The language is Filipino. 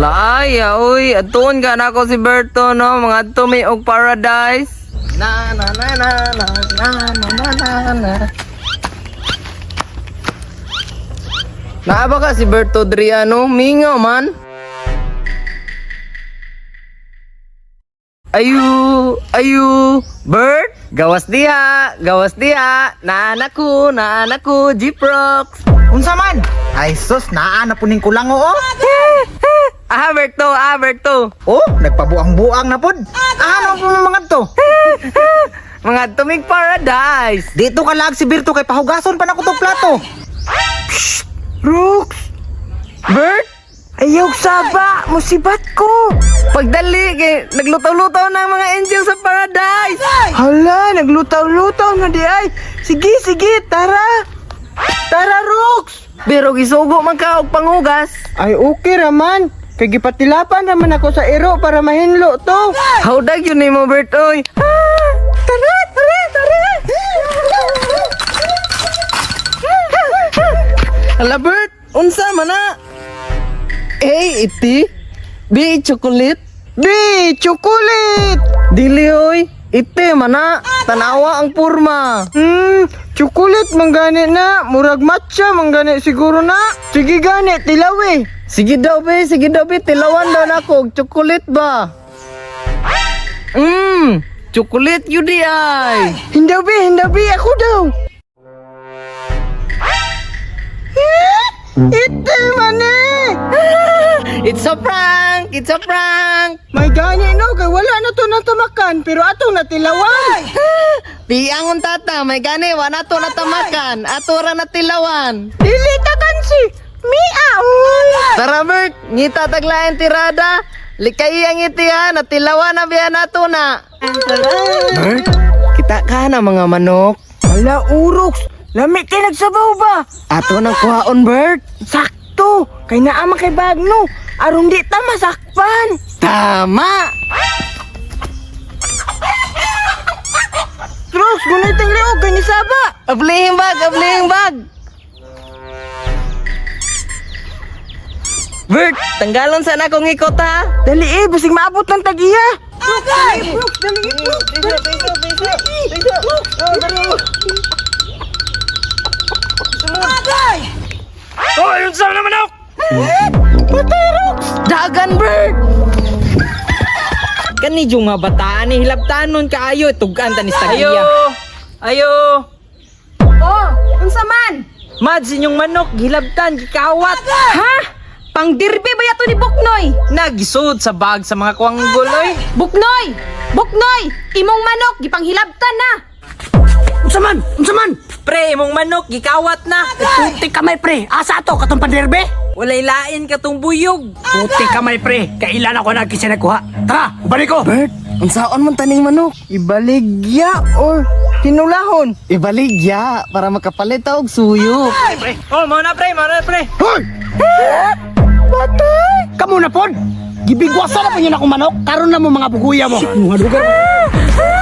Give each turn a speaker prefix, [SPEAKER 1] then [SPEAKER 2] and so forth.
[SPEAKER 1] Laay, uy, atuon ka na ako si Berto, no? Mga tumi og paradise. Na na na na na na na na na na. Naaba ka si Berto Driano, mingaw man. Ayu, Bert, gawas diha, naanaku, Jiprox.
[SPEAKER 2] Unsa man? Ay sus, naa na puning kulang oo.
[SPEAKER 1] Berto.
[SPEAKER 2] Oh, nagpabuang-buang na pud. Ano po mga to?
[SPEAKER 1] Mga tumig paradise.
[SPEAKER 2] Dito ka lag si Birto kay pahugason pa na ko tong plato.
[SPEAKER 1] Brooks! Bert!
[SPEAKER 3] Ayaw saba, musibat ko.
[SPEAKER 1] Pagdali, naglutaw-lutaw ng mga angel sa paradise.
[SPEAKER 3] Hala, naglutaw-lutaw na di ay. Sige, tara. Tara, Rox.
[SPEAKER 1] Pero gisugo man ka og panghugas.
[SPEAKER 3] Ay, okay raman. Kay gipatilapan naman ako sa iro para mahinlo to.
[SPEAKER 1] Hawdag yun ni mo, Bert, oy.
[SPEAKER 3] Tara.
[SPEAKER 1] Hala, Bert, unsa man na? A, iti. B, chocolate.
[SPEAKER 3] B, chocolate.
[SPEAKER 1] Dili, oy. Iti, mana. Tanawa ang purma.
[SPEAKER 3] Chocolate manggani na. Murag matcha manggani siguro na. Sige gani, tilawi.
[SPEAKER 1] Sige daw, be. Tilawan daw na ako. Chocolate ba? Chocolate yun di ay.
[SPEAKER 3] Hindi, ako daw. Ite mani.
[SPEAKER 1] It's a prank!
[SPEAKER 3] May gani no, kay wala na to natamakan, pero atong natilawan.
[SPEAKER 1] Piangon tata, may gani, wala to natamakan. Atura na tilawan.
[SPEAKER 3] Dili ta kansi. Mia.
[SPEAKER 1] Tara, Bert, ngita taglayan tirada. Likay ang iti ha, natilawan na biya nato na. Bert, kita ka na mga manok.
[SPEAKER 3] Ala, Urox. Lami kay nagsabaw ba?
[SPEAKER 1] Ato nang kuhaon, Bert.
[SPEAKER 3] Sakto. Kay naama kay Bagno. Aron di ta masakpan.
[SPEAKER 1] Tama!
[SPEAKER 3] Rox, guniting liog kay ni Saba.
[SPEAKER 1] Ablihing bag! Bert, tanggalon sana kong ikot ha.
[SPEAKER 3] Dali basig maabot ng tagiya.
[SPEAKER 2] Oh, yun sa naman ako.
[SPEAKER 1] Dagan, Bert! Kani yung nga bataan ni hilabtanon kaayo tugan tanis tagiya. Ayo.
[SPEAKER 4] Oh, unsa man?
[SPEAKER 1] Mads inyong manok gilabtan gikawat.
[SPEAKER 4] Ha? Pang dirbe ba yato ni Buknoy?
[SPEAKER 1] Nagisud sa bag sa mga kuwanggol oy.
[SPEAKER 4] Buknoy! Imong manok gipanghilabtan na.
[SPEAKER 2] Unsa man?
[SPEAKER 1] Pre, imong manok gikawat na.
[SPEAKER 2] Puti kamay pre. Asa to katong panderbe?
[SPEAKER 1] Walay lain katong buyog.
[SPEAKER 2] Puti kamay pre. Kailan ako nagkisa nagkuha. Tara, balik ko.
[SPEAKER 1] Bert, unsaon man taning manok?
[SPEAKER 3] Ibaligya or hinulahon.
[SPEAKER 1] Ibaligya para makapalit og suyo.
[SPEAKER 2] Pre. Oh, mo na pre. Hoy!
[SPEAKER 3] Patay.
[SPEAKER 2] Kamu na pod. Gibigwasan na pa yun ako manok. Karon na mo mga buguya mo. Mga lugar mo.